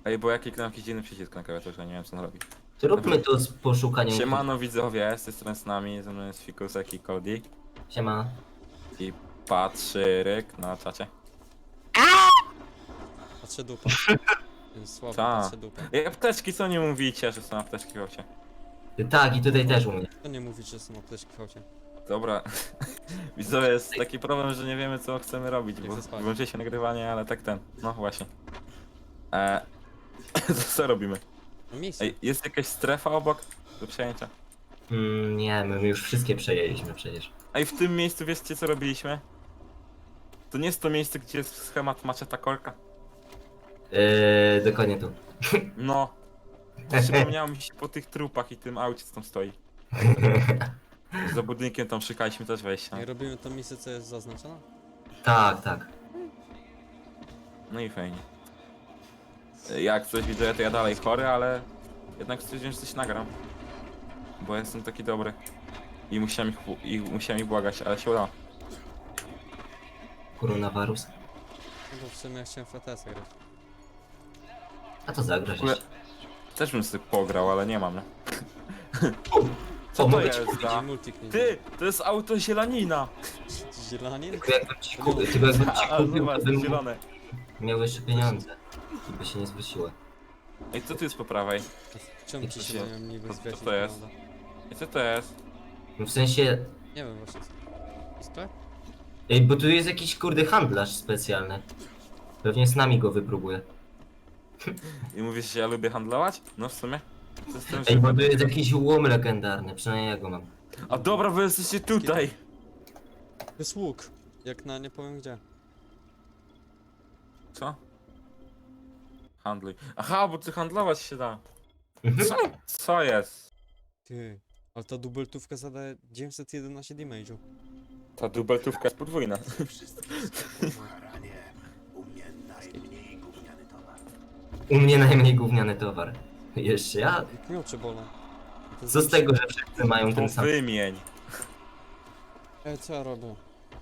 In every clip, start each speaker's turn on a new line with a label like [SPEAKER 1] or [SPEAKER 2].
[SPEAKER 1] Ej, bo ja kliknąłem jakiś dziwny przycisk na klawiaturze, nie wiem co on robi.
[SPEAKER 2] Zróbmy to z poszukaniem.
[SPEAKER 1] Siemano widzowie, z tej strony z nami, ze mną jest Fikusek i Cody.
[SPEAKER 2] Siema.
[SPEAKER 1] I Patryk na czacie.
[SPEAKER 3] Patrzę dupa. Jest słabo,
[SPEAKER 1] Ta.
[SPEAKER 3] patrzę dupa.
[SPEAKER 1] Ej, apteczki, co nie mówicie, że są apteczki w aucie?
[SPEAKER 2] Tak, i tutaj też u mnie.
[SPEAKER 3] To nie mówić, że są apteczki w aucie.
[SPEAKER 1] Dobra. Widzowie, jest taki problem, że nie wiemy co chcemy robić,
[SPEAKER 3] Jak
[SPEAKER 1] bo
[SPEAKER 3] zaspać.
[SPEAKER 1] włączy się nagrywanie, ale tak ten. No właśnie. Co robimy?
[SPEAKER 3] No miejsce.
[SPEAKER 1] Ej, jest jakaś strefa obok do przejęcia?
[SPEAKER 2] Nie, my już wszystkie przejęliśmy przecież.
[SPEAKER 1] Ej, w tym miejscu wiecie co robiliśmy? To nie jest to miejsce, gdzie jest schemat maczeta korka?
[SPEAKER 2] Dokładnie tu.
[SPEAKER 1] No. Przypomniało mi się po tych trupach i tym aucie, co tam stoi. Za budynkiem tam szukaliśmy też wejścia.
[SPEAKER 3] Jak robimy to miejsce, co jest zaznaczone?
[SPEAKER 2] Tak, tak.
[SPEAKER 1] No i fajnie. Jak coś widzę, to ja dalej chory, ale jednak stwierdziłem, że coś nagram. Bo jestem taki dobry. I musiałem ich błagać, ale się udało.
[SPEAKER 2] Koronawirus.
[SPEAKER 3] No bo w sumie ja chciałem FTS-a grać.
[SPEAKER 2] A to zagrasz
[SPEAKER 1] W ogóle-
[SPEAKER 2] jeszcze.
[SPEAKER 1] Też bym sobie pograł, ale nie mam, nie?
[SPEAKER 2] Co,
[SPEAKER 1] to
[SPEAKER 2] mogę ci
[SPEAKER 1] jest
[SPEAKER 2] kupić?
[SPEAKER 1] za-
[SPEAKER 3] Multik nie
[SPEAKER 1] Ty! To jest auto zielanina!
[SPEAKER 3] Zielanin?
[SPEAKER 2] Tylko jakbym ci kupił, tylko jakbym ci
[SPEAKER 1] A,
[SPEAKER 2] kupił,
[SPEAKER 1] zobacz,
[SPEAKER 2] to bym
[SPEAKER 1] zielone.
[SPEAKER 2] miał jeszcze pieniądze. I by się nie zwróciły.
[SPEAKER 1] Ej, co tu jest po prawej?
[SPEAKER 3] Czemu ci się mają niby
[SPEAKER 1] Co
[SPEAKER 3] zwiać?
[SPEAKER 1] to jest? Ej, co to jest?
[SPEAKER 2] No w sensie...
[SPEAKER 3] Nie wiem właśnie co. Jest to?
[SPEAKER 2] Ej, bo tu jest jakiś kurde handlarz specjalny. Pewnie z nami go wypróbuje.
[SPEAKER 1] I mówisz, że ja lubię handlować? No w sumie. To jest ten,
[SPEAKER 2] Ej,
[SPEAKER 1] że...
[SPEAKER 2] bo tu jest jakiś łom legendarny, przynajmniej ja go mam.
[SPEAKER 1] A dobra, wy jesteście tutaj!
[SPEAKER 3] To jest łuk. Jak na nie powiem gdzie.
[SPEAKER 1] Co? Handluj. Aha, bo ty handlować się da. Co? Co jest?
[SPEAKER 3] Ty. Ale ta dubeltówka zadaje 911 damage'u.
[SPEAKER 1] Ta dubeltówka jest podwójna.
[SPEAKER 2] U mnie najmniej gówniany towar. Jeszcze ja?
[SPEAKER 3] Jak miocze bolą. To
[SPEAKER 2] Co z tego, że wszyscy mają
[SPEAKER 1] To
[SPEAKER 2] ten sam...
[SPEAKER 1] wymień.
[SPEAKER 3] Ej, co ja robię?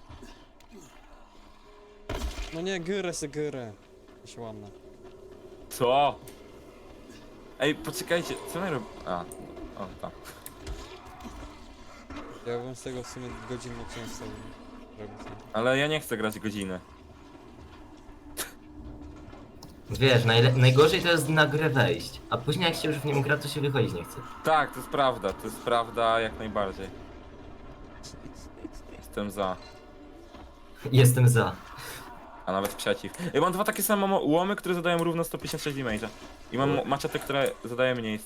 [SPEAKER 3] No nie, gyrę se gyrę. Ja się łamnę.
[SPEAKER 1] Co? Ej, poczekajcie, co my robimy? A, o, tak.
[SPEAKER 3] Ja bym z tego w sumie godzinną część sobie robił.
[SPEAKER 1] Ale ja nie chcę grać godziny.
[SPEAKER 2] Wiesz, najgorzej to jest na grę wejść, a później jak się już w nim gra, to się wychodzić nie chce.
[SPEAKER 1] Tak, to jest prawda jak najbardziej. Jestem za,
[SPEAKER 2] Jestem za.
[SPEAKER 1] a nawet przeciw. Ja mam dwa takie same łomy, które zadają równo 156 damage'a. I mam maczetę, która zadaje mniej,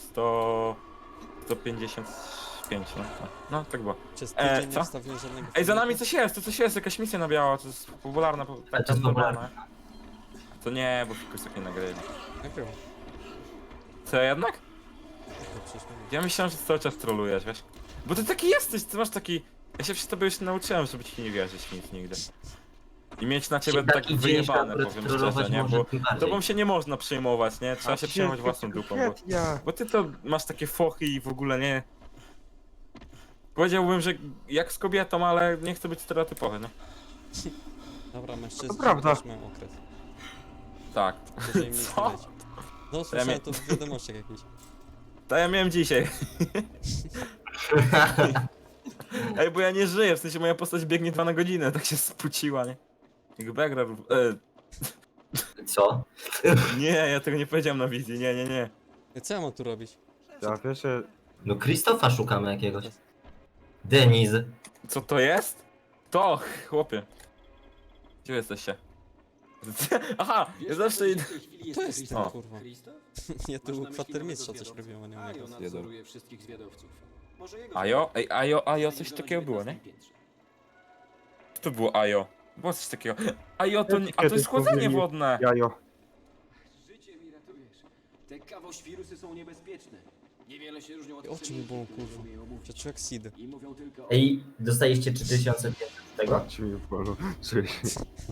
[SPEAKER 1] 155, no. No, tak było.
[SPEAKER 3] Przez tydzień
[SPEAKER 1] co?
[SPEAKER 3] nie wstawiłem żadnego
[SPEAKER 1] Ej, za nami
[SPEAKER 3] filmiku.
[SPEAKER 1] coś jest, to coś jest, jakaś misja na biało, to jest popularna,
[SPEAKER 2] Ale to jest popularne.
[SPEAKER 1] To nie, bo Fikus tak nie nagrywa.
[SPEAKER 3] Nagrywa.
[SPEAKER 1] Co, jednak?
[SPEAKER 3] To przecież mówię.
[SPEAKER 1] Ja myślałem, że cały czas trolujesz, wiesz? Bo ty taki jesteś, ty masz taki... Ja się przy tobie już nauczyłem, żeby ci nie wierzyć nic nigdy. I mieć na ciebie tak
[SPEAKER 2] Taki
[SPEAKER 1] wyjebane,
[SPEAKER 2] dzień
[SPEAKER 1] powiem
[SPEAKER 2] trollować
[SPEAKER 1] szczerze, nie?
[SPEAKER 2] może
[SPEAKER 1] Bo
[SPEAKER 2] tym bardziej.
[SPEAKER 1] tobą się nie można przejmować, nie? Trzeba się przejmować własną dupą, bo ty to masz takie fochy i w ogóle nie... Powiedziałbym, że jak z kobietą, ale nie chcę być stereotypowy, nie?
[SPEAKER 3] Dobra, mężczyźni
[SPEAKER 4] To prawda.
[SPEAKER 3] też mają okres.
[SPEAKER 1] Tak.
[SPEAKER 3] Jeżeli mi
[SPEAKER 1] Co?
[SPEAKER 3] widać. No słyszałem to w wiadomościach jakichś.
[SPEAKER 1] To ja miałem dzisiaj. Ej, bo ja nie żyję, w sensie moja postać biegnie 2 na godzinę, tak się spuciła, nie? Jak Begra...
[SPEAKER 2] Co?
[SPEAKER 1] nie, ja tego nie powiedziałem na wizji, nie.
[SPEAKER 3] Co ja mam tu robić?
[SPEAKER 4] Ja wiesz, że
[SPEAKER 2] No Krzysztofa szukamy jakiegoś. Deniz.
[SPEAKER 1] Co to jest? To, chłopie. Gdzie jesteście? Aha, ja zawsze idę...
[SPEAKER 3] To jest ten
[SPEAKER 1] O.
[SPEAKER 3] kurwa. Ja tu u kwatermistrza coś robiłem, a nie u niego.
[SPEAKER 5] nadzoruje wszystkich zwiadowców. Może jego
[SPEAKER 1] Ajo? Ej, Ajo, coś takiego było, nie? Co to było Ajo? Było coś takiego. Ajo, to nie... A to jest chłodzenie wodne!
[SPEAKER 4] jajo.
[SPEAKER 5] życie mi ratujesz. Te kawoświrusy są niebezpieczne. Niewiele się różnią od
[SPEAKER 3] Oczy mi bolą,
[SPEAKER 5] pszenicy,
[SPEAKER 3] kurwa.
[SPEAKER 5] które umieją mówić.
[SPEAKER 3] Ja czuję jak seed.
[SPEAKER 5] I mówią tylko o...
[SPEAKER 2] Ej, dostaliście 3500 z tego?
[SPEAKER 4] Ci mi bolą. Czuję się.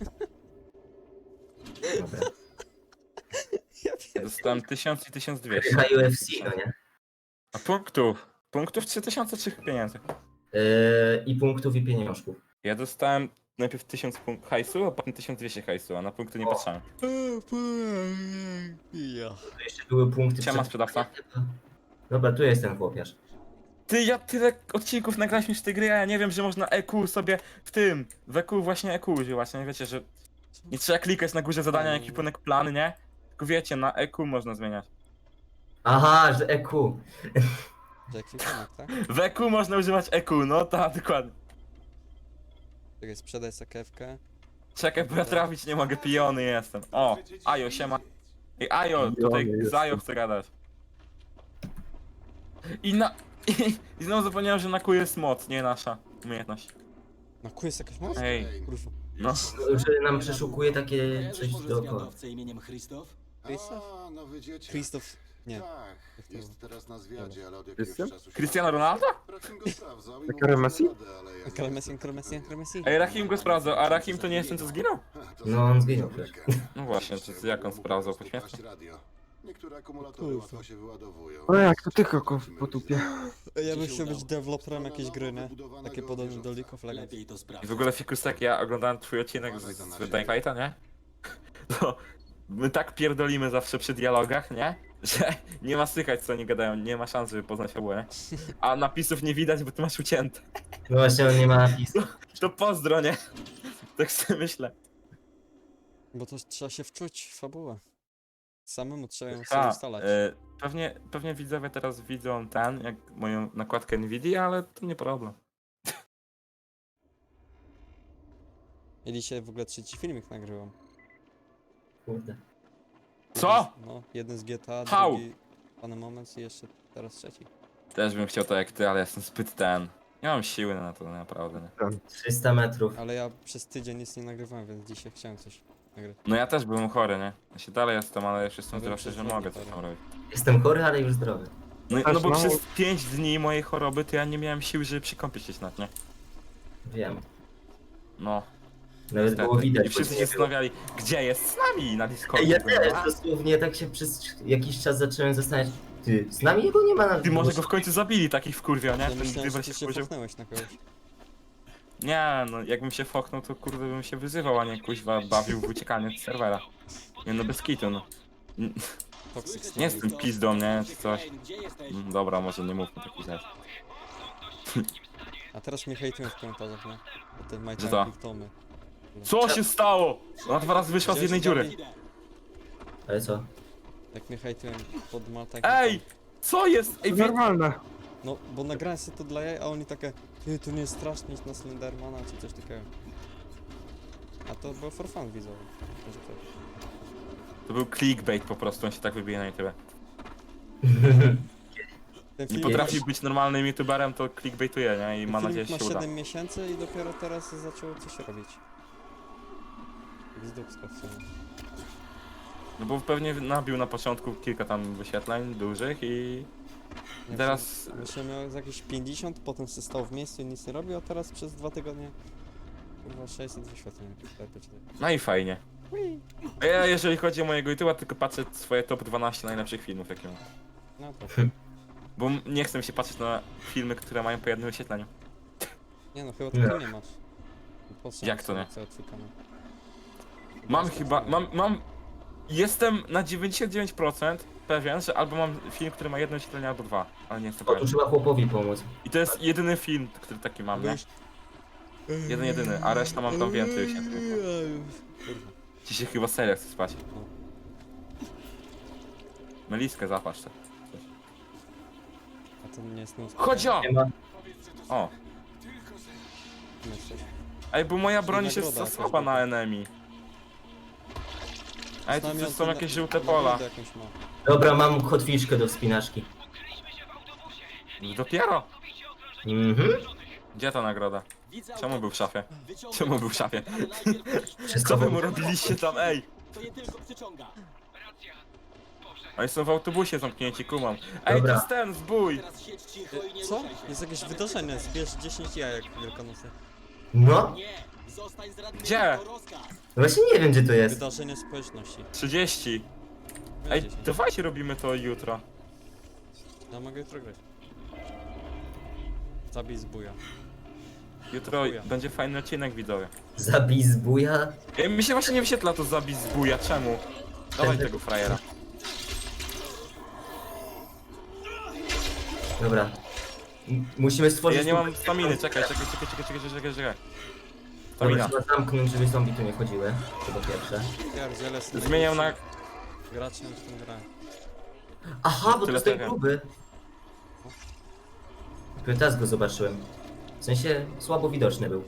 [SPEAKER 2] Dobra.
[SPEAKER 1] Dostałem 1000 i 1200.
[SPEAKER 2] Na UFC, no nie?
[SPEAKER 1] A punktów? Punktów 3000 czy pieniędzy?
[SPEAKER 2] I punktów i pieniążków.
[SPEAKER 1] Ja dostałem najpierw 1000 hajsu, a potem 1200 hajsu, a na punkty nie
[SPEAKER 2] O.
[SPEAKER 1] patrzałem.
[SPEAKER 3] Ja.
[SPEAKER 2] Tu jeszcze były punkty.
[SPEAKER 1] Siema, sprzedawca.
[SPEAKER 2] Dobra, tu jest ten chłopiarz.
[SPEAKER 1] Ty, ja tyle odcinków nagraliśmy z tej gry, a ja nie wiem, że można EQ sobie w EQ właśnie EQ używać, nie wiecie, że nie trzeba klikać na górze zadania, ekwipunek plany, nie? Tylko wiecie, na EQ można zmieniać.
[SPEAKER 2] Aha, że EQ.
[SPEAKER 3] Że ekwipunek, tak?
[SPEAKER 1] W EQ można używać EQ, no tak, dokładnie.
[SPEAKER 3] Czekaj, sprzedaj sakewkę.
[SPEAKER 1] Czekaj, bo ja trafić nie mogę, pijony jestem. O, Ajo, siema. Ej, Ajo, tutaj
[SPEAKER 4] Pijony
[SPEAKER 1] z Ajo chcę gadać. I znowu zapomniałem, że na Q jest moc, nie nasza umiejętność.
[SPEAKER 3] Na kół jest jakaś moc?
[SPEAKER 1] Ej,
[SPEAKER 3] Kurwa.
[SPEAKER 1] no.
[SPEAKER 2] Że nam przeszukuje takie coś
[SPEAKER 5] Możesz
[SPEAKER 2] dookoła.
[SPEAKER 5] zwiadowcę imieniem Christoph?
[SPEAKER 3] Krzysztof?
[SPEAKER 6] A, nowy dzieciak.
[SPEAKER 3] Krzysztof. Nie.
[SPEAKER 6] Tak, jest teraz na zwiadzie, ale od jakiegoś
[SPEAKER 4] Krystian?
[SPEAKER 6] czasu się...
[SPEAKER 1] Cristiano Ronaldo?
[SPEAKER 6] Rahim go sprawdzał i
[SPEAKER 4] Tak,
[SPEAKER 6] mówił, że
[SPEAKER 4] Messi?
[SPEAKER 6] radę, ale ja nie
[SPEAKER 3] Kremesjan,
[SPEAKER 6] jestem
[SPEAKER 3] kremesjan, kremesjan.
[SPEAKER 1] Ej, Rahim go sprawdzał, a Rahim to nie jest ten, co zginął?
[SPEAKER 6] To
[SPEAKER 2] No, on zginął
[SPEAKER 6] zabawka.
[SPEAKER 2] przecież.
[SPEAKER 1] No właśnie, to jak on sprawdzał, poświęcę?
[SPEAKER 6] Radio. Niektóre akumulatory
[SPEAKER 3] Kurwa.
[SPEAKER 6] łatwo się wyładowują.
[SPEAKER 4] O jak to tylko po tupie.
[SPEAKER 3] Ja bym chciał być deweloperem jakiejś gry, nie? Takie podobne do League of Legends.
[SPEAKER 5] Lepiej to
[SPEAKER 1] I
[SPEAKER 5] sprawdź.
[SPEAKER 1] w ogóle Fikusek, ja oglądałem twój odcinek z Dying Lighta, nie? To my tak pierdolimy zawsze przy dialogach, nie? Że nie ma słychać, co oni gadają, nie ma szans, żeby poznać fabułę. A napisów nie widać, bo ty masz ucięte.
[SPEAKER 2] No właśnie, on nie ma napisu.
[SPEAKER 1] To pozdro, nie? Tak sobie myślę.
[SPEAKER 3] Bo to trzeba się wczuć w fabułę. Samemu trzeba ją sobie
[SPEAKER 1] Ha,
[SPEAKER 3] ustalać.
[SPEAKER 1] pewnie widzowie teraz widzą jak moją nakładkę Nvidia, ale to nie problem.
[SPEAKER 3] Ja dzisiaj w ogóle trzeci filmik nagrywam.
[SPEAKER 2] Kurde.
[SPEAKER 1] Co?
[SPEAKER 3] No, jeden z GTA,
[SPEAKER 1] How?
[SPEAKER 3] drugi Pan Moment i jeszcze teraz trzeci.
[SPEAKER 1] Też bym chciał to jak ty, ale jestem zbyt nie mam siły na to, naprawdę, nie?
[SPEAKER 2] 300 metrów.
[SPEAKER 3] Ale ja przez tydzień nic nie nagrywałem, więc dzisiaj chciałem coś nagrać.
[SPEAKER 1] No ja też byłem chory, nie? Ja się dalej jestem, ale już jestem
[SPEAKER 3] No wiem,
[SPEAKER 1] zdrowszy, że
[SPEAKER 3] że
[SPEAKER 1] mogę
[SPEAKER 3] chory.
[SPEAKER 1] coś tam robić.
[SPEAKER 2] Jestem chory, ale już zdrowy.
[SPEAKER 1] No,
[SPEAKER 4] Też,
[SPEAKER 1] no bo
[SPEAKER 4] no.
[SPEAKER 1] przez 5 dni mojej choroby to ja nie miałem siły, żeby przykąpić się na nie?
[SPEAKER 2] Wiem.
[SPEAKER 1] No,
[SPEAKER 2] Nawet
[SPEAKER 1] niestety.
[SPEAKER 2] było widać.
[SPEAKER 1] I wszyscy
[SPEAKER 2] bo
[SPEAKER 1] się
[SPEAKER 2] nie było.
[SPEAKER 1] zastanawiali, gdzie jest z nami na Discordzie.
[SPEAKER 2] Ej, ja
[SPEAKER 1] Mówię,
[SPEAKER 2] też
[SPEAKER 1] "A,
[SPEAKER 2] dosłownie tak się przez jakiś czas zacząłem zastanawiać. Ty, z nami jego nie ma na
[SPEAKER 1] Ty może go w końcu zabili, takich wkurwio, nie?
[SPEAKER 3] Ja
[SPEAKER 1] Ten
[SPEAKER 3] myślałem, że
[SPEAKER 1] Gryber
[SPEAKER 3] ty
[SPEAKER 1] się
[SPEAKER 3] się
[SPEAKER 1] wkurzył.
[SPEAKER 3] fochnąłeś na kogoś.
[SPEAKER 1] Nie, no jakbym się foknął, to kurde bym się wyzywał, a nie kuźwa bawił w uciekanie z serwera. Nie no, bez kitu, no.
[SPEAKER 3] Toxic
[SPEAKER 1] Nie jestem pizdą, nie? Czy coś.
[SPEAKER 5] Kane, gdzie jesteś?
[SPEAKER 1] Dobra, może nie mówmy takich rzeczy.
[SPEAKER 3] A teraz mnie hejtują w komentarzach, nie? Bo ten My
[SPEAKER 1] Że
[SPEAKER 3] Time
[SPEAKER 1] to?
[SPEAKER 3] Big Tomy.
[SPEAKER 1] Co się stało? Ona 2 razy wyszła z jednej dziury.
[SPEAKER 2] Ale co?
[SPEAKER 3] Jak mnie hejtują pod My Time
[SPEAKER 1] Ej! Co jest? Ej,
[SPEAKER 4] Normalne.
[SPEAKER 3] No, bo nagrałem sobie to dla jaj, a oni takie ty, to nie jest strasznie iść na Slendermana, czy coś takiego. A to było for fun widzowie. Może tak.
[SPEAKER 1] To był clickbait po prostu, on się tak wybije na YouTube.
[SPEAKER 3] Ten
[SPEAKER 1] Nie
[SPEAKER 3] film
[SPEAKER 1] potrafi być normalnym youtuberem, to clickbaituje, nie? I ma nadzieję, że
[SPEAKER 3] ma
[SPEAKER 1] się uda.
[SPEAKER 3] 7 miesięcy i dopiero teraz zaczęło coś robić. Z dupska w sumie.
[SPEAKER 1] No bo pewnie nabił na początku kilka tam wyświetleń dużych i
[SPEAKER 3] Nie,
[SPEAKER 1] teraz...
[SPEAKER 3] Myślę, miał z jakieś 50, potem się stał w miejscu i nic nie robił, a teraz przez 2 tygodnie chyba 600 wyświetleń. Tak,
[SPEAKER 1] No i fajnie. A ja jeżeli chodzi o mojego YouTube'a, tylko patrzę swoje top 12 najlepszych filmów jakie mam.
[SPEAKER 3] no to.
[SPEAKER 1] Bo nie chcę się patrzeć na filmy, które mają po jednym wyświetleniu.
[SPEAKER 3] Nie no, chyba tego nie masz. Po co
[SPEAKER 1] Jak to nie?
[SPEAKER 3] cały twój kanał?
[SPEAKER 1] Mam
[SPEAKER 3] Jest
[SPEAKER 1] chyba,
[SPEAKER 3] to-
[SPEAKER 1] mam... Jestem na 99% pewien, że albo mam film, który ma jedno wyświetlenie, albo 2, ale nie jestem
[SPEAKER 2] O, tu
[SPEAKER 1] pewien.
[SPEAKER 2] trzeba chłopowi pomóc.
[SPEAKER 1] I to jest jedyny film, który taki mam, nie? Jedyny, a reszta mam tam więcej wyświetleń.
[SPEAKER 3] Kurwa.
[SPEAKER 1] Ci się chyba serio chce spać.
[SPEAKER 3] No.
[SPEAKER 1] Meliskę zapatrz te.
[SPEAKER 3] A to nie jest nóż.
[SPEAKER 1] Chodź o!
[SPEAKER 2] Nie ma.
[SPEAKER 1] O!
[SPEAKER 3] Myślę.
[SPEAKER 1] Ej, bo moja broń
[SPEAKER 3] nagroda
[SPEAKER 1] jest za
[SPEAKER 3] jakaś
[SPEAKER 1] słaba na
[SPEAKER 3] była.
[SPEAKER 1] enemy. Ej, tu
[SPEAKER 3] Znamion
[SPEAKER 1] są
[SPEAKER 3] to
[SPEAKER 1] jakieś
[SPEAKER 3] na-
[SPEAKER 1] żółte
[SPEAKER 3] nagrodę
[SPEAKER 1] pola.
[SPEAKER 3] jakąś ma.
[SPEAKER 2] Dobra, mam kotwiczkę do wspinaczki.
[SPEAKER 1] Dopiero!
[SPEAKER 2] Mhm.
[SPEAKER 1] Gdzie ta nagroda?
[SPEAKER 5] Widzę
[SPEAKER 1] Czemu był w szafie?
[SPEAKER 5] Wyciągnę
[SPEAKER 1] Czemu był w
[SPEAKER 5] go.
[SPEAKER 1] szafie?
[SPEAKER 5] Ale najpierw musisz
[SPEAKER 2] Wszystko
[SPEAKER 1] Co wy
[SPEAKER 2] było.
[SPEAKER 1] mu robiliście tam, ej?
[SPEAKER 5] To je tylko przyciąga.
[SPEAKER 1] Oni są w autobusie zamknięci, kumam. Ej, to
[SPEAKER 2] Dobra.
[SPEAKER 1] jest ten zbój!
[SPEAKER 5] Teraz siedź cicho i nie
[SPEAKER 3] Co?
[SPEAKER 5] ruszaj się.
[SPEAKER 3] Jest jakieś wydarzenie, zbierz 10 jajek wielkanocne.
[SPEAKER 2] No,
[SPEAKER 5] Nie, zostań z radnym.
[SPEAKER 1] Gdzie?
[SPEAKER 5] To rozkaz.
[SPEAKER 2] właśnie nie wiem gdzie to jest.
[SPEAKER 3] Wydarzenie społeczności.
[SPEAKER 1] 30. Ej,
[SPEAKER 3] 10.
[SPEAKER 1] dawajcie robimy to jutro.
[SPEAKER 3] Ja mogę jutro grać. Zabij zbuja.
[SPEAKER 1] Jutro
[SPEAKER 3] Chuja.
[SPEAKER 1] będzie fajny odcinek, widzowie.
[SPEAKER 2] Zabij zbuja.
[SPEAKER 1] Ej, mi się właśnie nie wyświetla to zabij zbója, czemu? Dawaj tego frajera.
[SPEAKER 2] Dobra. Musimy stworzyć...
[SPEAKER 1] Ja nie mam
[SPEAKER 2] tu-
[SPEAKER 1] staminy, czekaj.
[SPEAKER 2] Dobra,
[SPEAKER 1] Stamina.
[SPEAKER 2] trzeba zamknąć, żeby zombie tu nie chodziły. To po pierwsze.
[SPEAKER 3] Pierdziele,
[SPEAKER 1] Zmieniam na...
[SPEAKER 3] Graczem w tym grę.
[SPEAKER 2] Aha, bo to
[SPEAKER 1] Tyle
[SPEAKER 2] jest ten
[SPEAKER 1] tego.
[SPEAKER 2] gruby. Dopiero teraz go zobaczyłem. W sensie słabo widoczny był.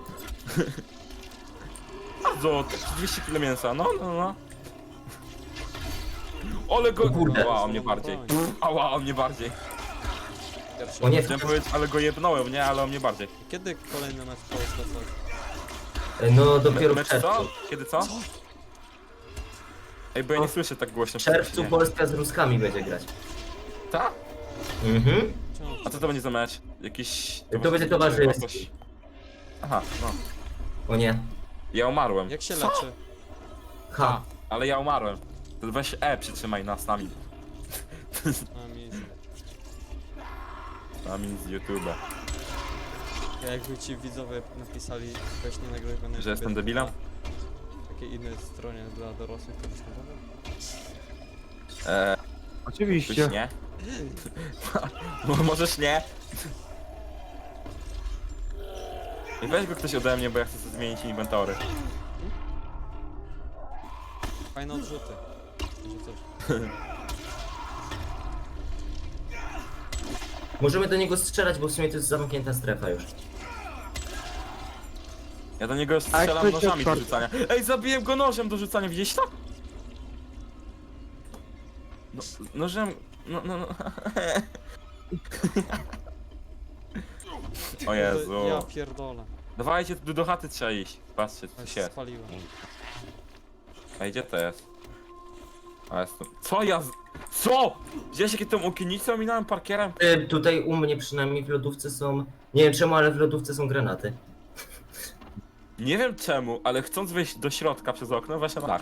[SPEAKER 1] Bardzo, 200 kg mięsa, no. Ale go...
[SPEAKER 2] O kurde.
[SPEAKER 1] Ała, mnie bardziej. Ała, o mnie bardziej.
[SPEAKER 3] Pierwszy.
[SPEAKER 2] O nie,
[SPEAKER 1] Chciałem powiedzieć, ale go jebnąłem, nie? Ale o mnie bardziej.
[SPEAKER 3] Kiedy kolejny mecz Polska coś?
[SPEAKER 2] no dopiero w
[SPEAKER 1] Mecz
[SPEAKER 2] czerwcu.
[SPEAKER 1] co? Kiedy co? Ej, bo ja nie słyszę tak głośno.
[SPEAKER 2] W czerwcu
[SPEAKER 1] nie.
[SPEAKER 2] Polska z Ruskami będzie grać.
[SPEAKER 1] Tak?
[SPEAKER 2] Mhm.
[SPEAKER 1] A co to będzie za mecz? Jakiś...
[SPEAKER 2] To będzie towarzyski.
[SPEAKER 1] Aha, no.
[SPEAKER 2] O nie.
[SPEAKER 1] Ja umarłem.
[SPEAKER 3] Jak się
[SPEAKER 1] Co?
[SPEAKER 3] leczy?
[SPEAKER 2] Ha.
[SPEAKER 1] Ale ja umarłem. To weź przytrzymaj nas nami.
[SPEAKER 3] A mi...
[SPEAKER 1] Nami z YouTube'a.
[SPEAKER 3] Jakby ci widzowie napisali, weź nie nagrywaj na
[SPEAKER 1] Że jestem
[SPEAKER 3] YouTube,
[SPEAKER 1] debilem?
[SPEAKER 3] na takiej innej stronie dla dorosłych, to byś nagrał?
[SPEAKER 1] Coś
[SPEAKER 4] Oczywiście.
[SPEAKER 1] nie? No możesz nie? I weź go ktoś ode mnie, bo ja chcę sobie zmienić inwentory.
[SPEAKER 3] Fajne odrzuty. Że coś.
[SPEAKER 2] Możemy do niego strzelać, bo w sumie to jest zamknięta strefa już.
[SPEAKER 1] Ja do niego
[SPEAKER 4] A
[SPEAKER 1] strzelam
[SPEAKER 4] jak
[SPEAKER 1] nożami do
[SPEAKER 4] będzie
[SPEAKER 1] rzucania. Ej, zabiłem go nożem do rzucania, widzieliś to? No, nożem... No. O Jezu.
[SPEAKER 3] Ja pierdolę.
[SPEAKER 1] Dawajcie, tu do chaty trzeba iść. Patrzcie,
[SPEAKER 3] Ja
[SPEAKER 1] co
[SPEAKER 3] się
[SPEAKER 1] się.
[SPEAKER 3] spaliłem.
[SPEAKER 1] Ej, gdzie to jest? A jestem... Co ja z... Co? Widziałeś jakie tą okienicę ominąłem parkierem?
[SPEAKER 2] Tutaj u mnie przynajmniej w lodówce są... Nie wiem czemu, ale w lodówce są granaty.
[SPEAKER 1] Nie wiem czemu, ale chcąc wejść do środka przez okno, weszłem na dach.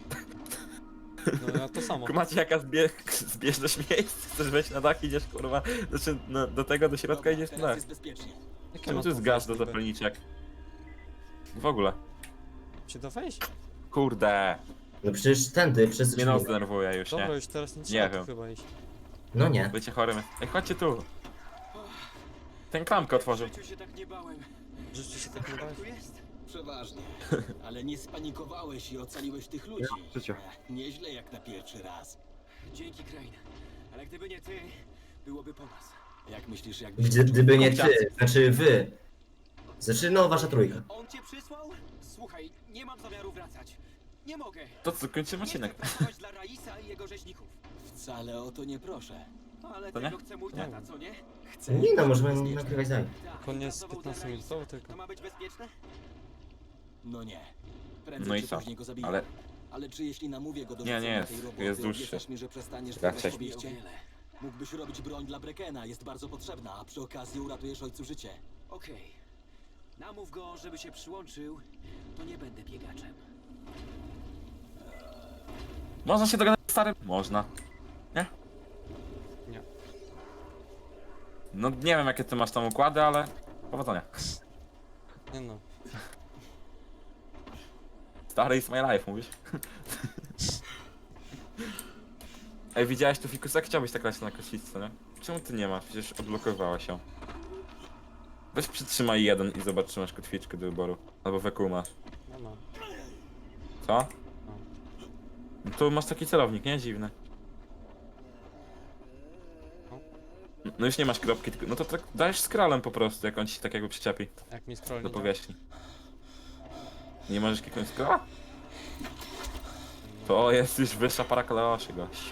[SPEAKER 3] No ja to samo.
[SPEAKER 1] Macie jaka zbieżność miejsc? Chcesz wejść na dach, idziesz kurwa, znaczy do tego, do środka idziesz na dach.
[SPEAKER 5] jest bezpiecznie.
[SPEAKER 3] Jakie
[SPEAKER 1] Czemu
[SPEAKER 3] ma
[SPEAKER 1] tu jest
[SPEAKER 3] to
[SPEAKER 1] gaz do
[SPEAKER 3] wejść niby?
[SPEAKER 1] zapalniczek? W ogóle.
[SPEAKER 3] Czy to wejść?
[SPEAKER 1] Kurde.
[SPEAKER 2] No przecież tędy, przez drzwi.
[SPEAKER 1] Nie no, zdenerwuję już,
[SPEAKER 3] Dobra,
[SPEAKER 1] nie?
[SPEAKER 3] już teraz nie
[SPEAKER 1] Nie
[SPEAKER 3] trzeba tu
[SPEAKER 1] wiem.
[SPEAKER 3] chyba iść.
[SPEAKER 2] No nie.
[SPEAKER 1] Bycie chorym. Ej, chodźcie tu. Ten klamkę otworzył.
[SPEAKER 5] W życiu się tak nie bałem.
[SPEAKER 3] Życie się tak nie da.
[SPEAKER 5] Tu jest? Przeważnie. Ale nie spanikowałeś i ocaliłeś tych ludzi.
[SPEAKER 4] Życie.
[SPEAKER 5] Nieźle jak na pierwszy raz. Dzięki, Crane. Ale gdyby nie ty, byłoby po nas. Jak myślisz, jakby...
[SPEAKER 2] Gdyby nie ty, znaczy wy. Znaczy no, wasza trójka.
[SPEAKER 5] On cię przysłał? Słuchaj, nie mam zamiaru wracać. Nie mogę.
[SPEAKER 1] To co, kończymy
[SPEAKER 5] Nie chcę
[SPEAKER 1] odcinek.
[SPEAKER 5] pracować dla Raisa i jego rzeźników. Wcale o to nie proszę. Ale
[SPEAKER 1] To
[SPEAKER 5] tego
[SPEAKER 1] nie?
[SPEAKER 5] chce mój
[SPEAKER 3] Nie.
[SPEAKER 5] tata, co nie? Chcę.
[SPEAKER 2] Nie no, możemy
[SPEAKER 5] bezpieczne.
[SPEAKER 2] nagrywać dalej.
[SPEAKER 5] Tak,
[SPEAKER 3] Koniec
[SPEAKER 5] pracował
[SPEAKER 3] 15
[SPEAKER 5] dla
[SPEAKER 3] minutowy
[SPEAKER 5] Raisa.
[SPEAKER 3] tylko.
[SPEAKER 5] To ma być bezpieczne? No nie. Prędzej
[SPEAKER 1] No i
[SPEAKER 5] czy
[SPEAKER 1] co?
[SPEAKER 5] później go zabiję.
[SPEAKER 1] Ale
[SPEAKER 5] Ale czy jeśli namówię go do
[SPEAKER 1] Nie,
[SPEAKER 5] rzucenia
[SPEAKER 1] nie jest.
[SPEAKER 5] tej roboty,
[SPEAKER 1] Jest dłuższy.
[SPEAKER 5] obiecasz mi, że przestaniesz
[SPEAKER 1] Raczej.
[SPEAKER 5] wybrać sobie ściele? Mógłbyś robić broń dla Brekena, jest bardzo potrzebna, a przy okazji uratujesz ojcu życie. Okej. Namów go, żeby się przyłączył, to nie będę biegaczem.
[SPEAKER 1] można się dogadać z starym? Można. Nie?
[SPEAKER 3] Nie.
[SPEAKER 1] No nie wiem jakie ty masz tam układy, ale powodzenia.
[SPEAKER 3] Nie no.
[SPEAKER 1] Stary is my life, mówisz? Ej, widziałeś tu Fikusa? Chciałbyś tak grać na kotwicę, nie? Czemu ty nie masz? Przecież odblokowała się. Weź przytrzymaj jeden i zobacz, czy masz kotwiczkę do wyboru. Albo WQ masz.
[SPEAKER 3] Nie ma.
[SPEAKER 1] Co? No to masz taki celownik, nie? Dziwny. No już nie masz kropki, tylko... No to tak dajesz skralem po prostu, jak on ci tak jakby przyczepi
[SPEAKER 3] Jak mi scroll
[SPEAKER 1] do
[SPEAKER 3] nie działa.
[SPEAKER 1] powierzchni. Nie możesz kliknąć skrala? To jest już wyższa para kaloszy, gość.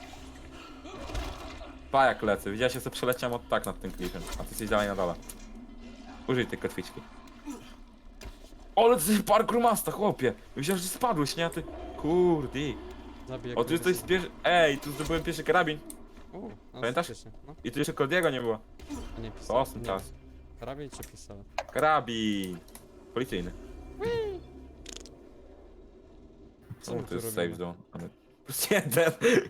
[SPEAKER 1] Pa jak lecę, widziałeś, ja sobie przeleciałem od tak nad tym klifem, a ty jesteś dalej na dole. Użyj tej kotwiczki. Ale ty parkour masta, chłopie! Myślałem, że spadłeś, nie? A ty... Kurde.
[SPEAKER 3] Zabij
[SPEAKER 1] O, tu jest coś pierwszy... Ej, tu zdobyłem pierwszy karabin.
[SPEAKER 3] No,
[SPEAKER 1] Pamiętasz?
[SPEAKER 3] faktycznie, No,
[SPEAKER 1] I tu jeszcze Kordiego nie było.
[SPEAKER 3] a nie
[SPEAKER 1] To
[SPEAKER 3] pistolet.
[SPEAKER 1] awesome
[SPEAKER 3] Nie.
[SPEAKER 1] czas.
[SPEAKER 3] Karabin czy pistolet?
[SPEAKER 1] Karabin. Policyjny.
[SPEAKER 3] Co
[SPEAKER 1] O,
[SPEAKER 3] my
[SPEAKER 1] to
[SPEAKER 3] tu
[SPEAKER 1] jest
[SPEAKER 3] robimy?
[SPEAKER 1] safe zone. Ale... Plus jeden.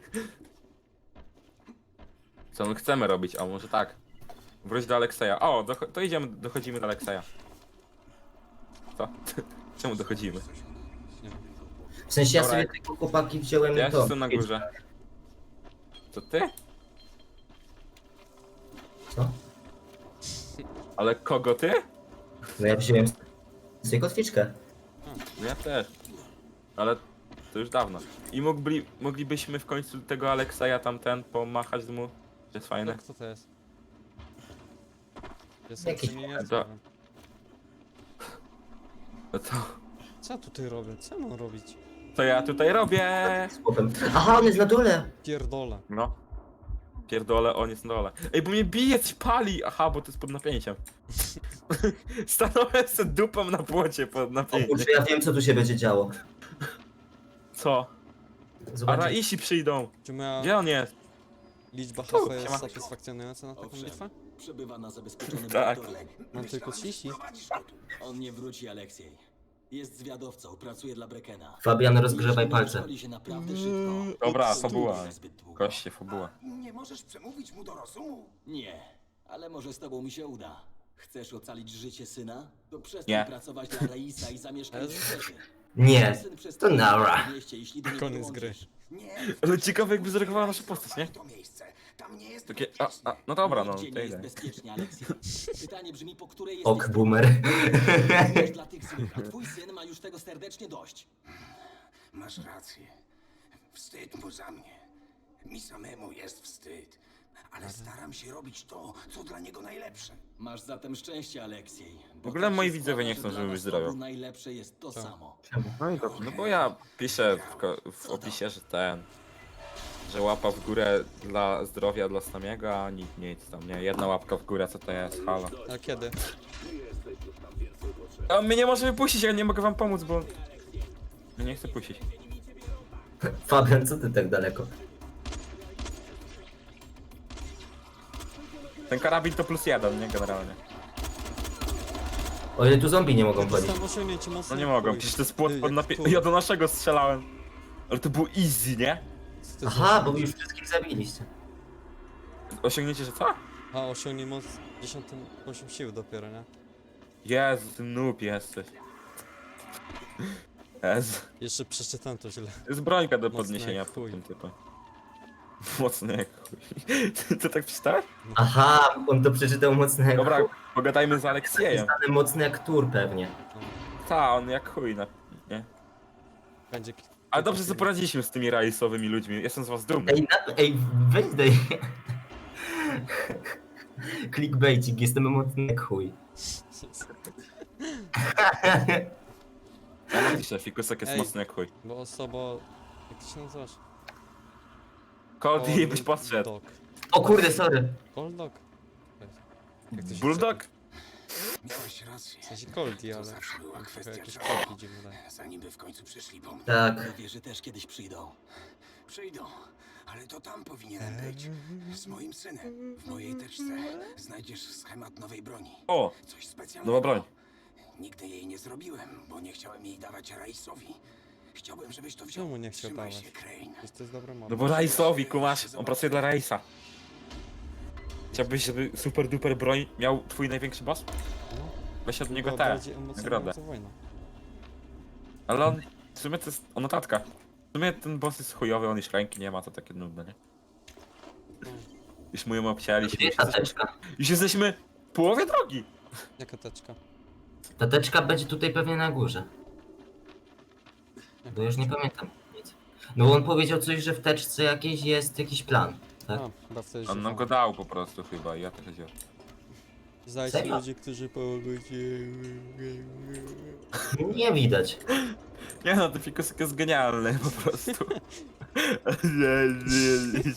[SPEAKER 1] Co my chcemy robić? A może tak. Wróć do Alekseja. O, to idziemy, dochodzimy do Alekseja. Co? Czemu dochodzimy?
[SPEAKER 3] Nie.
[SPEAKER 2] W sensie ja
[SPEAKER 1] Dobra,
[SPEAKER 2] sobie tego chłopaki wziąłem
[SPEAKER 1] Ja
[SPEAKER 2] to.
[SPEAKER 1] jestem na górze. To ty?
[SPEAKER 2] Co?
[SPEAKER 1] Ale kogo ty?
[SPEAKER 2] No ja wziąłem sobie kotwiczkę.
[SPEAKER 1] No ja też. Ale to już dawno. I moglibyśmy w końcu tego Aleksaja tamten pomachać mu. To jest fajne.
[SPEAKER 3] Kto to jest? Jest
[SPEAKER 2] Jakiś
[SPEAKER 3] nie
[SPEAKER 1] moment.
[SPEAKER 3] znam.
[SPEAKER 1] No to,
[SPEAKER 3] Co ja tutaj robię? Co mam robić?
[SPEAKER 1] to ja tutaj robię.
[SPEAKER 2] Z chłopem. Aha, on jest na dole!
[SPEAKER 3] Pierdolę.
[SPEAKER 1] No. Pierdolę, on jest na dole. Ej, bo mnie bije, coś pali! Aha, bo to jest pod napięciem. Stanąłem sobie dupą na płocie pod
[SPEAKER 2] O
[SPEAKER 1] napięciem.
[SPEAKER 2] kurczę, ja wiem co tu się będzie działo.
[SPEAKER 1] Co? A
[SPEAKER 2] Zobaczcie.
[SPEAKER 1] Raisi przyjdą.
[SPEAKER 3] Czy moja
[SPEAKER 1] Gdzie on jest?
[SPEAKER 3] liczba
[SPEAKER 1] Tu,
[SPEAKER 3] HP jest
[SPEAKER 1] siema.
[SPEAKER 3] satysfakcjonująca na taką
[SPEAKER 5] Owszem.
[SPEAKER 3] bitwę?
[SPEAKER 5] Przebywa na zabezpieczonym
[SPEAKER 1] Tak.
[SPEAKER 5] reaktorze.
[SPEAKER 3] Mam tylko 30?
[SPEAKER 5] On nie wróci, Aleksiej. Jest zwiadowcą, pracuje dla Brekena.
[SPEAKER 2] Fabian, rozgrzewaj
[SPEAKER 5] Jeśli
[SPEAKER 2] palce.
[SPEAKER 5] szkoli się naprawdę szybko.
[SPEAKER 1] Dobra,
[SPEAKER 5] to
[SPEAKER 1] fabuła.
[SPEAKER 5] nie zbyt długo.
[SPEAKER 1] Koście, fabuła.
[SPEAKER 6] Nie możesz przemówić mu do rozumu?
[SPEAKER 5] Nie, ale może z tobą mi się uda. Chcesz ocalić życie syna? To przestań
[SPEAKER 1] Nie.
[SPEAKER 5] pracować dla Raisa i zamieszkaj w świecie.
[SPEAKER 2] Nie,
[SPEAKER 5] Syn
[SPEAKER 2] to
[SPEAKER 5] przestanie
[SPEAKER 2] nara.
[SPEAKER 5] w mieście, jeśli do niego
[SPEAKER 3] Koniec gry.
[SPEAKER 5] dołączysz.
[SPEAKER 6] Nie,
[SPEAKER 1] Ale ciekawe jakby zareagowała nasza postać, nie?
[SPEAKER 6] to miejsce. Tam nie jest
[SPEAKER 1] Takie,
[SPEAKER 6] bezpiecznie.
[SPEAKER 1] no dobra, no,
[SPEAKER 5] Nigdzie
[SPEAKER 1] to
[SPEAKER 5] nie jest
[SPEAKER 1] idę.
[SPEAKER 5] bezpiecznie, Aleksiej. Pytanie brzmi, po której
[SPEAKER 2] Ok,
[SPEAKER 5] jesteś
[SPEAKER 2] boomer.
[SPEAKER 5] stronie dla tych złych, a twój syn ma już tego serdecznie dość.
[SPEAKER 7] Masz rację. Wstyd mu za mnie. Mi samemu jest wstyd. Ale staram się robić to, co dla niego najlepsze.
[SPEAKER 5] Masz zatem szczęście, Aleksiej.
[SPEAKER 1] W ogóle moi widzowie nie chcą, żeby wyzdrowiał.
[SPEAKER 5] Najlepsze jest to samo.
[SPEAKER 4] No i dobrze.
[SPEAKER 1] No bo ja piszę w opisie, że że łapa w górę dla zdrowia dla Samiego, a nic tam, nie? Jedna łapka w górę, co to jest? Halo.
[SPEAKER 3] A kiedy?
[SPEAKER 1] A on mnie nie może wypuścić, ja nie mogę wam pomóc, bo... Ja nie chcę puścić.
[SPEAKER 2] Fabian, co ty tak daleko?
[SPEAKER 1] Ten karabin to +1, nie? Generalnie.
[SPEAKER 2] O ile tu zombie nie mogą chodzić.
[SPEAKER 3] Dostałem osiągnięcie mocno.
[SPEAKER 1] No nie mogą, przecież to jest płot pod napięciem. Ja do naszego strzelałem. Ale to było easy, nie?
[SPEAKER 2] Aha, bo już wszystkich zabiliście.
[SPEAKER 1] Osiągnięcie, że co?
[SPEAKER 3] A osiągnij moc 10 sił dopiero, nie?
[SPEAKER 1] Jezu, ty noob jesteś. Jezu.
[SPEAKER 3] Jeszcze przeczytałem to źle.
[SPEAKER 1] Jest brońka do
[SPEAKER 3] Mocny
[SPEAKER 1] podniesienia
[SPEAKER 3] jak
[SPEAKER 1] pod
[SPEAKER 3] chuj.
[SPEAKER 1] tym typem. Mocny jak chuj. Ty tak przeczytałeś?
[SPEAKER 2] Aha, on to przeczytał mocno jak
[SPEAKER 1] Dobra,
[SPEAKER 2] chuj.
[SPEAKER 1] pogadajmy z Aleksiejem.
[SPEAKER 2] Znany mocny jak tur pewnie.
[SPEAKER 1] Ta, on jak chuj, nie?
[SPEAKER 3] Będzie...
[SPEAKER 1] Ale dobrze sobie poradziliśmy z tymi raisowymi ludźmi, jestem z was dumny.
[SPEAKER 2] Ej, weź daj. Clickbaitik, jestem mocny jak chuj.
[SPEAKER 1] Ja napiszę, Fikusek jest
[SPEAKER 3] Ej.
[SPEAKER 1] mocny jak chuj.
[SPEAKER 3] Bo osoba... Jak ty się nazywasz?
[SPEAKER 1] Cody byś podszedł.
[SPEAKER 3] Dog.
[SPEAKER 2] O kurde, sorry.
[SPEAKER 3] Cold dog? Jak to się
[SPEAKER 1] Bulldog?
[SPEAKER 7] Miałeś rację.
[SPEAKER 3] W sensie Coldy,
[SPEAKER 7] To
[SPEAKER 3] ale...
[SPEAKER 7] zawsze była
[SPEAKER 3] Trochę
[SPEAKER 7] kwestia
[SPEAKER 3] jakieś
[SPEAKER 7] czasu.
[SPEAKER 3] kolki dziwne daje.
[SPEAKER 7] Zanim by w końcu przyszli po mnie.
[SPEAKER 2] Tak.
[SPEAKER 5] Wierzy też kiedyś przyjdą.
[SPEAKER 7] Przyjdą, ale to tam powinienem być. Z moim synem. W mojej teczce znajdziesz schemat nowej broni.
[SPEAKER 1] O,
[SPEAKER 7] Coś specjalnego.
[SPEAKER 1] nowa broń.
[SPEAKER 7] Nigdy jej nie zrobiłem, bo nie chciałem jej dawać Raisowi. Chciałbym, żebyś to wziął.
[SPEAKER 3] Czemu nie chciał
[SPEAKER 7] Trzymaj
[SPEAKER 3] dawać?
[SPEAKER 7] się, Crane.
[SPEAKER 3] Przecież to jest dobra mowa.
[SPEAKER 1] No bo Raisowi, kumasz, on pracuje dla Raisa. Chciałbyś, żeby super duper broń miał twój największy boss? Weź od niego
[SPEAKER 3] Chyba
[SPEAKER 1] tę
[SPEAKER 3] bardziej
[SPEAKER 1] nagrodę.
[SPEAKER 3] emocjonująca wojna.
[SPEAKER 1] Ale on, w sumie to jest notatka. W sumie ten boss jest chujowy, on już ręki nie ma, to takie nudne, nie? Już mu ją obcięliśmy,
[SPEAKER 2] Gdzie
[SPEAKER 1] już
[SPEAKER 2] ta
[SPEAKER 1] jesteśmy,
[SPEAKER 2] teczka?
[SPEAKER 1] już jesteśmy w połowie drogi.
[SPEAKER 3] Jaka teczka?
[SPEAKER 2] Ta teczka będzie tutaj pewnie na górze. Bo już nie pamiętam nic. No on powiedział coś, że w teczce jakiejś jest jakiś plan. Tak?
[SPEAKER 3] A, chyba wtedy
[SPEAKER 1] On nam go dał po prostu chyba i ja tak chodziłem.
[SPEAKER 3] Znajdźcie
[SPEAKER 2] Serio?
[SPEAKER 3] ludzi, którzy pomogą ci.
[SPEAKER 2] Nie widać.
[SPEAKER 1] Nie no, ten fikusek jest genialny po prostu. Nie.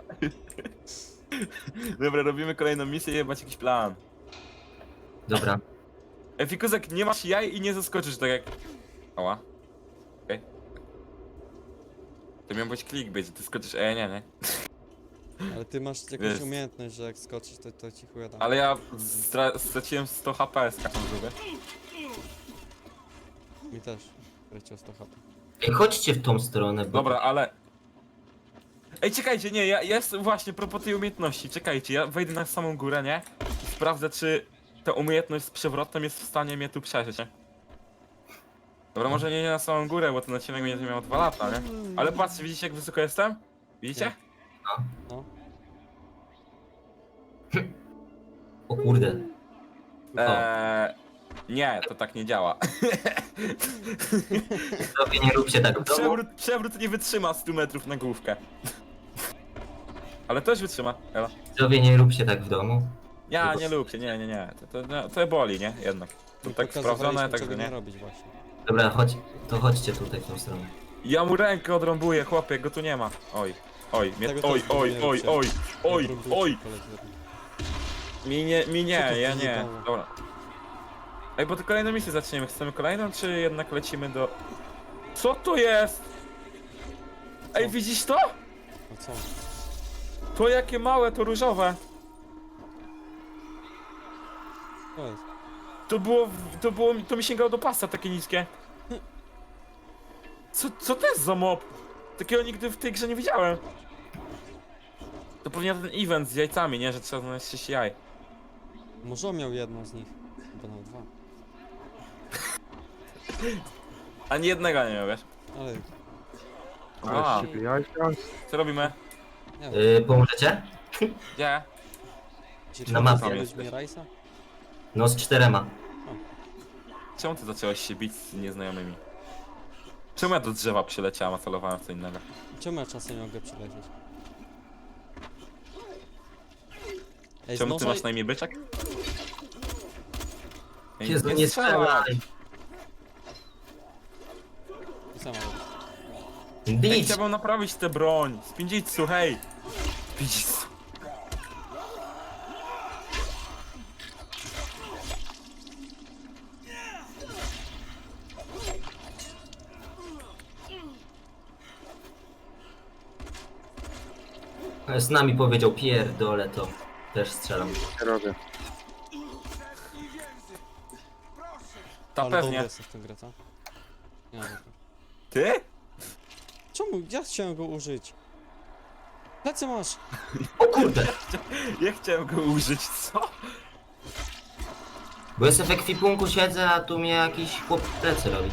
[SPEAKER 1] Dobra, robimy kolejną misję i jebać jakiś plan.
[SPEAKER 2] Dobra.
[SPEAKER 1] Fikusek, nie masz jaj i nie zaskoczysz tak jak... Ała. Okej. To miał być clickbait, ty skoczysz, nie.
[SPEAKER 3] Ale ty masz jakąś
[SPEAKER 1] Wiesz.
[SPEAKER 3] umiejętność, że jak skoczysz, to ci chuja dam.
[SPEAKER 1] Ale ja straciłem 100 HP z taką żółwię.
[SPEAKER 3] Mi też. Leciał 100 HP.
[SPEAKER 2] Ej, chodźcie w tą stronę, bo...
[SPEAKER 1] Dobra, ale... Ej, czekajcie, nie, ja jestem właśnie propos tej umiejętności, czekajcie, ja wejdę na samą górę, nie? I sprawdzę, czy ta umiejętność z przewrotem jest w stanie mnie tu przeżyć, nie? Dobra, może nie na samą górę, bo ten odcinek będzie miał 2 lata, nie? Ale patrzcie, widzicie jak wysoko jestem? Widzicie?
[SPEAKER 3] No.
[SPEAKER 2] O kurde.
[SPEAKER 1] Nie, to tak nie działa.
[SPEAKER 2] Sobie nie róbcie tak w domu.
[SPEAKER 1] Przewrót nie wytrzyma 100 metrów na główkę. Ale też wytrzyma, Ela.
[SPEAKER 2] Sobie nie róbcie tak w domu.
[SPEAKER 1] Ja nie lubcie, nie. To boli, nie? Jednak. To tak
[SPEAKER 3] Pokazywaliśmy,
[SPEAKER 1] sprawdzone, tak
[SPEAKER 3] czego
[SPEAKER 1] że
[SPEAKER 3] nie
[SPEAKER 1] nie.
[SPEAKER 3] robić właśnie.
[SPEAKER 2] Dobra, chodźcie tutaj w tą stronę.
[SPEAKER 1] Ja mu rękę odrąbuję, chłopie, go tu nie ma. Oj,
[SPEAKER 3] Tego też
[SPEAKER 1] oj,
[SPEAKER 3] tego
[SPEAKER 1] oj,
[SPEAKER 3] nie
[SPEAKER 1] oj,
[SPEAKER 3] róbcie.
[SPEAKER 1] oj,
[SPEAKER 3] Odrąbujcie
[SPEAKER 1] oj.
[SPEAKER 3] koledzy.
[SPEAKER 1] Mi nie,
[SPEAKER 3] Co to
[SPEAKER 1] ja nie.
[SPEAKER 3] wyjebało?
[SPEAKER 1] Dobra. Ej, bo to kolejną misję zaczniemy. Chcemy kolejną, czy jednak lecimy do... Co to jest? Ej,
[SPEAKER 3] Co?
[SPEAKER 1] widzisz to?
[SPEAKER 3] A co?
[SPEAKER 1] To jakie małe, to różowe.
[SPEAKER 3] To jest.
[SPEAKER 1] To mi sięgało do pasa, takie niskie. Co to jest za mob? Takiego nigdy w tej grze nie widziałem. To pewnie ten event z jajcami, nie? Że trzeba znaleźć 6 jaj.
[SPEAKER 3] Może on miał jedno z nich. Chyba nawet dwa.
[SPEAKER 1] Ani jednego nie miał, wiesz?
[SPEAKER 3] Ale
[SPEAKER 1] A,
[SPEAKER 4] Ale z ciebie jajka.
[SPEAKER 1] co robimy?
[SPEAKER 3] nie wiem.
[SPEAKER 2] Pomożecie?
[SPEAKER 1] Gdzie?
[SPEAKER 3] Ci
[SPEAKER 2] na
[SPEAKER 3] trzeba
[SPEAKER 2] mapie
[SPEAKER 3] zrobić
[SPEAKER 1] jesteś.
[SPEAKER 3] mi rajsa?
[SPEAKER 2] No z 4.
[SPEAKER 1] Czemu ty zacząłeś się bić z nieznajomymi? Czemu ja do drzewa przyleciałem, a celowałem w co innego?
[SPEAKER 3] Czemu ja czasem nie mogę przylecieć? Ej, z
[SPEAKER 1] Czemu ty
[SPEAKER 3] noża...
[SPEAKER 1] masz na imię byczek? Ej,
[SPEAKER 2] Jezu, nie strzelaj!
[SPEAKER 3] I sama robię.
[SPEAKER 1] Ej,
[SPEAKER 2] Bić!
[SPEAKER 1] chciałbym naprawić tę broń! Spindzitsu, hej! Spindzitsu.
[SPEAKER 2] Z nami powiedział pierdolę to. Też strzelam.
[SPEAKER 4] Nie robię.
[SPEAKER 1] Ta
[SPEAKER 3] Ale dobry
[SPEAKER 1] pewnie.
[SPEAKER 3] jesteś w tę grę, co? Nie, dobra.
[SPEAKER 1] Ty?
[SPEAKER 3] Czemu? Ja chciałem go użyć. Plecy masz!
[SPEAKER 2] O kurde!
[SPEAKER 1] Ja chciałem go użyć, co?
[SPEAKER 2] Bo jestem w ekwipunku, siedzę, a tu mnie jakiś chłop plecy robi.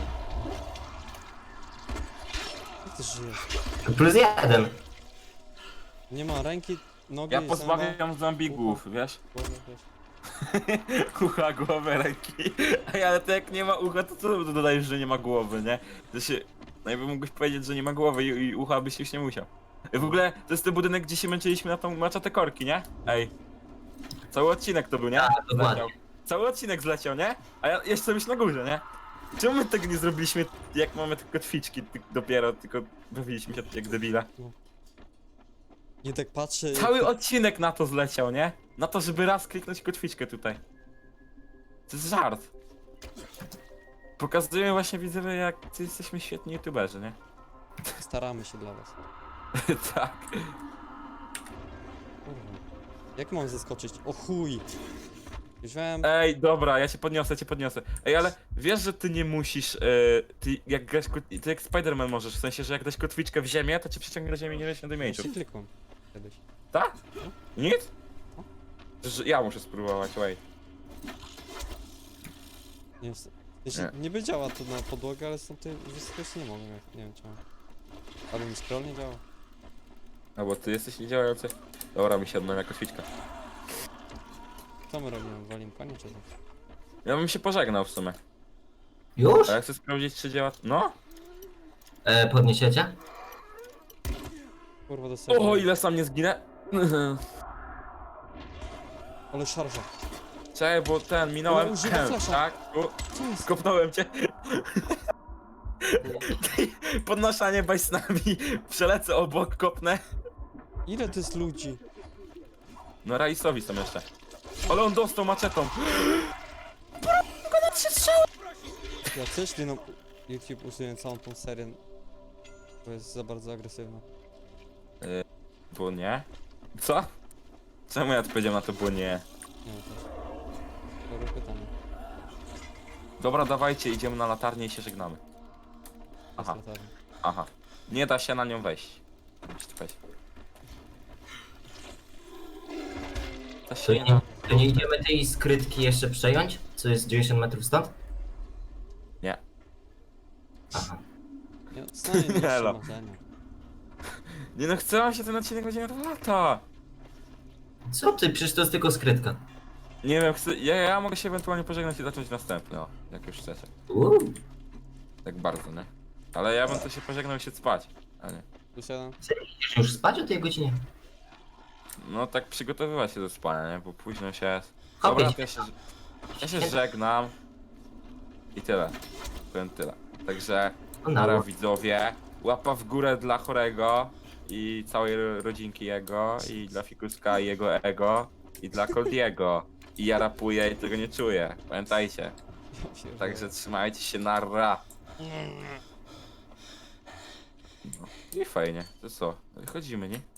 [SPEAKER 3] Jak ty żyjesz?
[SPEAKER 2] +1.
[SPEAKER 3] Nie ma ręki, nogi,
[SPEAKER 1] Ja
[SPEAKER 3] zęba,
[SPEAKER 1] pozbawiam zombigów, wiesz?
[SPEAKER 3] głowy, wiesz.
[SPEAKER 1] Ucha, głowę, ręki. Ej, ale to jak nie ma ucha, to co dodajesz, że nie ma głowy, nie? To się... Najpierw mógłbyś powiedzieć, że nie ma głowy i ucha byś już nie musiał. W ogóle to jest ten budynek, gdzie się męczyliśmy na tą maczatę korki, nie? Ej. Cały odcinek to był, nie?
[SPEAKER 2] Tak, dokładnie.
[SPEAKER 1] Zleciał. Cały odcinek zleciał, nie? A ja jeszcze byś na górze, nie? Czemu my tego nie zrobiliśmy, jak mamy tylko kotwiczki dopiero, tylko bawiliśmy się jak debile?
[SPEAKER 3] Nie tak patrzę...
[SPEAKER 1] Cały odcinek na to zleciał, nie? Na to, żeby raz kliknąć kotwiczkę tutaj. To jest żart. Pokazujemy właśnie widzowie, jak ty jesteśmy świetni youtuberzy, nie?
[SPEAKER 3] Staramy się dla was.
[SPEAKER 1] Tak.
[SPEAKER 3] Kurwa. Jak mam zeskoczyć? O chuj! Już wiem...
[SPEAKER 1] Ej, dobra, ja cię podniosę. Ej, ale wiesz, że ty nie musisz, ty jak grasz, ty jak Spider-Man możesz, w sensie, że jak dasz kotwiczkę w ziemię, to cię przyciągnie do ziemi, nie wiesz, na damage'u.
[SPEAKER 3] Właśnie klikłem. Kiedyś.
[SPEAKER 1] Tak? Nic? Ja muszę spróbować, wait.
[SPEAKER 3] Nie, nie by działa to na podłogę, ale stąd tej wysokości nie mogę. Nie wiem czemu. Albo mi scroll nie działa.
[SPEAKER 1] No bo ty jesteś niedziałający. Dobra, mi się odnawia kotwiczka.
[SPEAKER 3] Co my robimy? Walim konie czy co?
[SPEAKER 1] Ja bym się pożegnał w sumie.
[SPEAKER 2] Już?
[SPEAKER 1] A ja chcę sprawdzić, czy działa... No?
[SPEAKER 2] Podniesiecie?
[SPEAKER 3] Kurwa dostałem.
[SPEAKER 1] O, ile sam nie zginę.
[SPEAKER 3] Ale szarża.
[SPEAKER 1] Czekaj, bo ten, minąłem.
[SPEAKER 3] Ale używa flasha.
[SPEAKER 1] Tak,
[SPEAKER 3] Co jest?
[SPEAKER 1] skopnąłem cię. Podnoszanie bajsnami. Przelecę obok, kopnę.
[SPEAKER 3] Ile to jest ludzi?
[SPEAKER 1] No Raisowi są jeszcze. Ale on dostał maczetą.
[SPEAKER 3] Ja też nie no... YouTube usunie całą tą serię. Bo jest za bardzo agresywna.
[SPEAKER 1] Było nie? Co? Czemu ja odpowiedziałem na to było nie?
[SPEAKER 3] Nie wiem też. Dobre pytanie.
[SPEAKER 1] Dobra, dawajcie, idziemy na latarnię i się żegnamy. Aha.
[SPEAKER 3] Jest latarnia.
[SPEAKER 1] Aha. Nie da się na nią wejść. Czekaj. Da
[SPEAKER 2] To
[SPEAKER 1] się
[SPEAKER 2] nie, to nie idziemy tej skrytki jeszcze przejąć? Co jest 90 metrów stąd?
[SPEAKER 1] Nie.
[SPEAKER 2] Aha.
[SPEAKER 3] Nie, stanie nie
[SPEAKER 1] Elo.
[SPEAKER 3] marzenia.
[SPEAKER 1] Nie no, chcę się ten odcinek będzie miał 2 lata.
[SPEAKER 2] Co ty? Przecież to jest tylko skrytka.
[SPEAKER 1] Nie wiem, ja mogę się ewentualnie pożegnać i zacząć następny, o, jak już chcecie. Tak bardzo, nie? Ale ja bym to się pożegnał i się spać, a nie.
[SPEAKER 3] Wysiadam.
[SPEAKER 2] Idziesz już spać o tej godzinie?
[SPEAKER 1] No tak przygotowywać się do spania, nie? Bo późno się jest.
[SPEAKER 2] Hopie,
[SPEAKER 1] Dobra, to ja się żegnam. I tyle. Powiem tyle. Także nara widzowie. Łapa w górę dla chorego i całej rodzinki jego i dla Fikuska i jego ego i dla Coldiego. I ja rapuję i tego nie czuję. Pamiętajcie. Także trzymajcie się, narra. No. I fajnie. To co? Wychodzimy, nie?